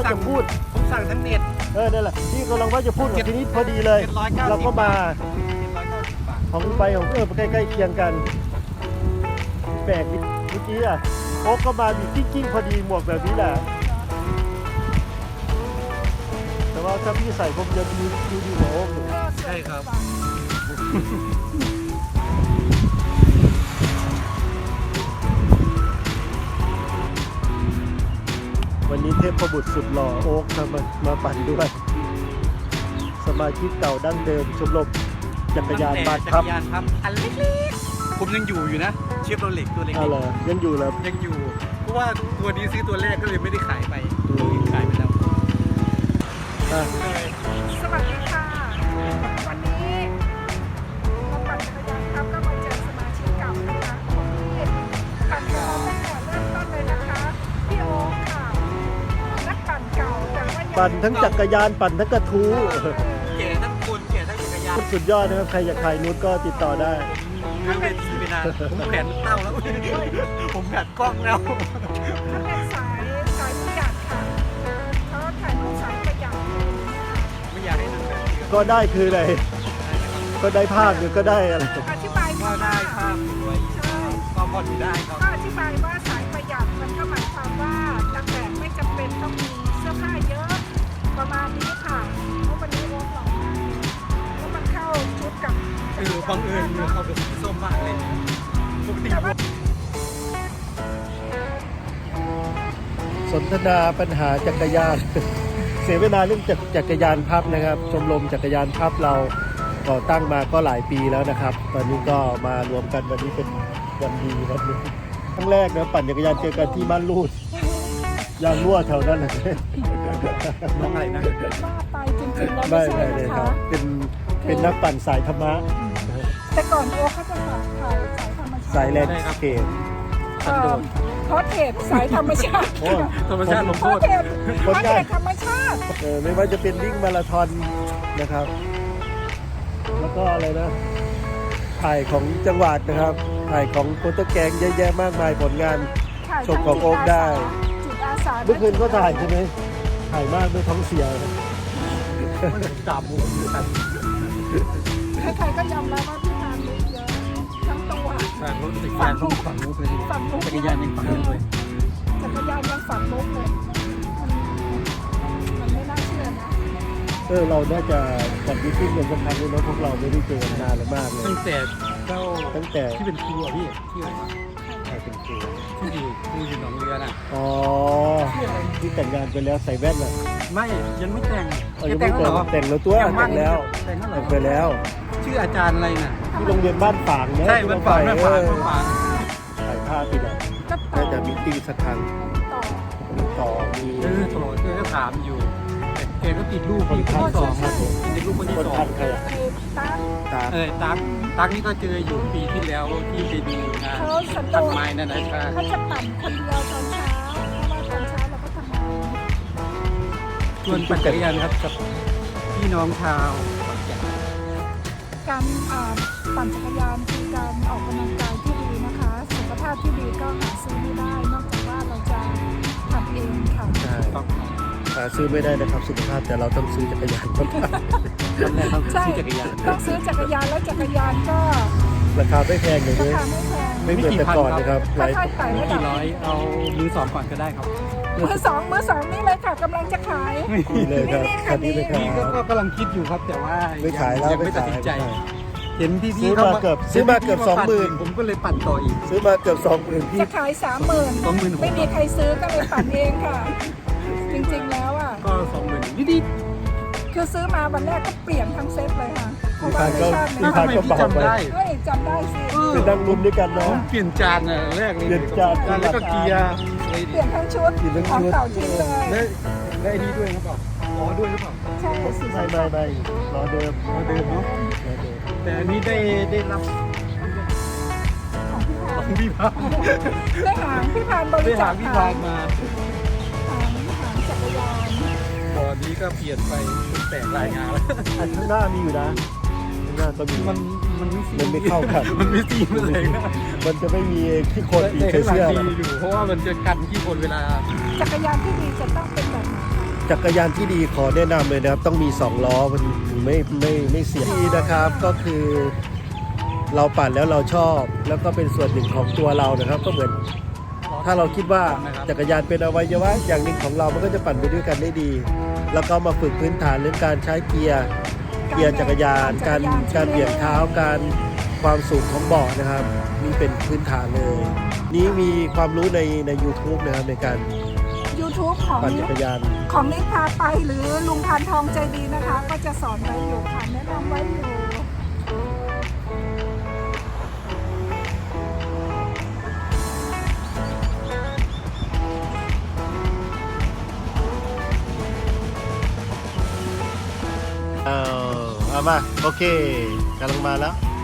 จะพูดผมสั่งทั้งเน็ตนั่นแหละพี่กำลังว่าจะพูดกับทีนี้พอดีเลยเราก็มาของใบของใกล้ๆเคียงกันแปลกนิดเมื่อกี้โอ๊กก็มามีกิ้งพอดีหมวกแบบนี้แหละแต่ว่าถ้าพี่ใส่ผมจะดูดีกว่าโอ๊กอยู่ใช่ครับวันนี้เทพบุตรสุดหล่อโอ๊กมาปั่นด้วยสมาชิกเก่าดั้งเดิมชมรมจักรยานบ้านพับอันเล็กๆผมยังอยู่นะเชฟโรเล็กตัวเล็กๆยังอยู่แล้วยังอยู่เพราะว่าตัวนี้ซื้อตัวแรกก็เลยไม่ได้ขายไปตัวอื่นขายไปแล้วสวัสดีค่ะวันนี้เราปั่นจักรยานครับก็มาเจอสมาชิกเก่านะคะที่ปั่นกับเราตั้งแต่เริ่มต้นเลยนะคะพี่โอ๊คค่ะนักปั่นเก่าแต่ว่าปั่นทั้งจักรยานปั่นทั้งกระทู้แก่ทั้งคนแก่ทั้งจักรยานสุดยอดนะครับใครอยากถ่ายนุชก็ติดต่อได้เรื่องเวทีไปนานผมแขนเต้าแล้วผมแขนกล้องแล้วถ้าเป็นสายประหยัดค่ะเขาถ่ายรูปสายประหยัดไม่อยากให้ดูแบบนี้ก็ได้คืออะไรก็ได้ภาพหรือก็ได้อะไรอธิบายก็ได้ภาพสวยใช่ก็พอดูได้ครับก็อธิบายว่าสายประหยัดมันก็หมายความว่านักแบบไม่จำเป็นต้องมีเสื้อผ้าเยอะประมาณนี้ค่ะเพราะวันนี้โอ๊คหล่อมากแล้วมันเข้าชุดกับบังเอิญเขาเป็นสีส้มมากเลยปกติสนทนาปัญหาจักรยานเสียเวลาเรื่องจักรยานพับนะครับชมรมจักรยานพับเราก่อตั้งมาก็หลายปีแล้วนะครับตอนนี้ก็มารวมกันวันนี้เป็นวันดีวันนึงครั้งแรกนะปั่นจักรยานเจอกันที่บ้านลูดยางรั่วแถวนั้นเลยน้องอะไรนะว่าไปจริงๆแล้วไม่ใช่นะคะเป็นนักปั่นสายธรรมะแต่ก่อนโอ๊คเขาจะถ่ายสายธรรมชาติสายแลนด์สเคปเพราะเทปสายธรรมชาติธรรมชาติลงโทษเพราะเทปธรรมชาติไม่ว่าจะเป็นวิ่งมาราธอนนะครับแล้วก็อะไรนะถ่ายของจังหวัดนะครับถ่ายของโปรโตแกงเยอะแยะมากมายผลงานชมของโอ๊คได้เมื่อคืนก็ถ่ายใช่ไหมถ่ายมากด้วยท้องเสียจับหมูใครๆก็ยอมรับว่าพี่ทานเยอะทั้งตัวฝั่งรถจักรยานฝั่งมุกเลยจักรยานยังฝั่งมุกเลยจักรยานยังฝั่งมุกเลยมันไม่น่าเชื่อนะเราน่าจะจัดมิทติ้งกันสักครั้งเลยนะพวกเราไม่ได้เจอกันนานแล้วมากเลยตั้งแต่ที่เป็นครูอ่ะพี่ที่อะไรใครเป็นครูที่อยู่หนองเรือน่ะที่แต่งงานไปแล้วใส่แว่นอ่ะไม่ยังไม่แต่งยังไม่แต่งแล้วตัวแต่งแล้วแต่งไปแล้วชื่ออาจารย์อะไรน่ะที่โรงเรียนบ้านฝางเนี่ยใช่บ้านฝางถ่ายภาพติดอ่ะน่าจะมิทติ้งสักครั้งต่อมีต่อก็ถามอยู่แกก็ติดลูกคนที่สองติดลูกคนที่สองใครอ่ะตั๊กนี่ก็เจออยู่ปีที่แล้วที่ไปดูงานตัดไม้นั่นนะครับเขาจะปั่นคนเดียวตอนเช้าเพราะว่าตอนเช้าเราก็ทำงานชวนปั่นจักรยานครับกับพี่น้องชาวการปั่นจักรยานคือการออกกำลังกายที่ดีนะคะสุขภาพที่ดีก็หาซื้อไม่ได้นอกจากว่าเราจะทำเองค่ะใช่ซื้อไม่ได้นะครับสุขภาพแต่เราต้องซื้อจักรยานต้องซื้อจักรยานต้องซื้อจักรยานแล้วจักรยานก็ราคาไม่แพงเลยไม่เหมือนแต่ก่อนนะครับกี่ร้อยเอามือสองก่อนก็ได้ครับมือสองนี่เลยค่ะกำลังจะขายนี่เลยครับนี่ก็กำลังคิดอยู่ครับแต่ว่าไม่ขายแล้วไม่ตัดสินใจเห็นพี่ซื้อมาเกือบ20,000 ผมก็เลยปั่นต่ออีกซื้อมาเกือบ20,000 พี่จะขาย30,000ไม่มีใครซื้อก็เลยปั่นเองค่ะจริงๆแล้วอ่ะก็20,000นิดคือซื้อมาวันแรกก็เปลี่ยนทั้งเซตเลยค่ะเพราะว่าพี่พานก็บอกไปจำได้สิไปนั่งลุ้นด้วยกันเนาะเปลี่ยนจานแรกเลยเปลี่ยนจานแล้วก็เกียร์เปลี่ยนทั้งชุดของเก่าทิ้งเลยได้อันนี้ด้วยหรือเปล่าด้วยหรือเปล่าใช่สิไม่รอเดิมเนาะแต่อันนี้ได้รับของพี่พานได้หางพี่พานบริจาคพี่พานมาจักรยานตอนนี้ก็เปลี่ยนไปแตกรายงานแล้วข้างหน้ามีอยู่นะข้างหน้าก็มีมันไม่เข้ากันมันไม่ซีเลยนะมันจะไม่มีที่คนอีกเสื้ออยู่เพราะว่ามันจะกันที่คนเวลาจักรยานที่ดีจะต้องเป็นแบบจักรยานที่ดีขอแนะนำเลยนะครับต้องมี2ล้อมันถึงไม่เสียดีนะครับก็คือเราปั่นแล้วเราชอบแล้วก็เป็นส่วนหนึ่งของตัวเรานะครับก็เหมือนถ้าเราคิดว่าจักรยานเป็นอวัยวะอย่างหนึ่งของเรามันก็จะปั่นไปด้วยกันได้ดี แล้วก็มาฝึกพื้นฐานเรื่องการใช้เกียร์จักรยานการเบี่ยงเท้าการความสูงของเบาะนะครับนี่เป็นพื้นฐานเลยนี้มีความรู้ใน YouTube นะครับในการ YouTube ของปั่นจักรยานของนิพาไปหรือลุงพันทองใจดีนะคะ ก็จะสอนไว้อยู่ค่ะแนะนำไว้อยู่เอามาโอเคกำลังมาแล้ว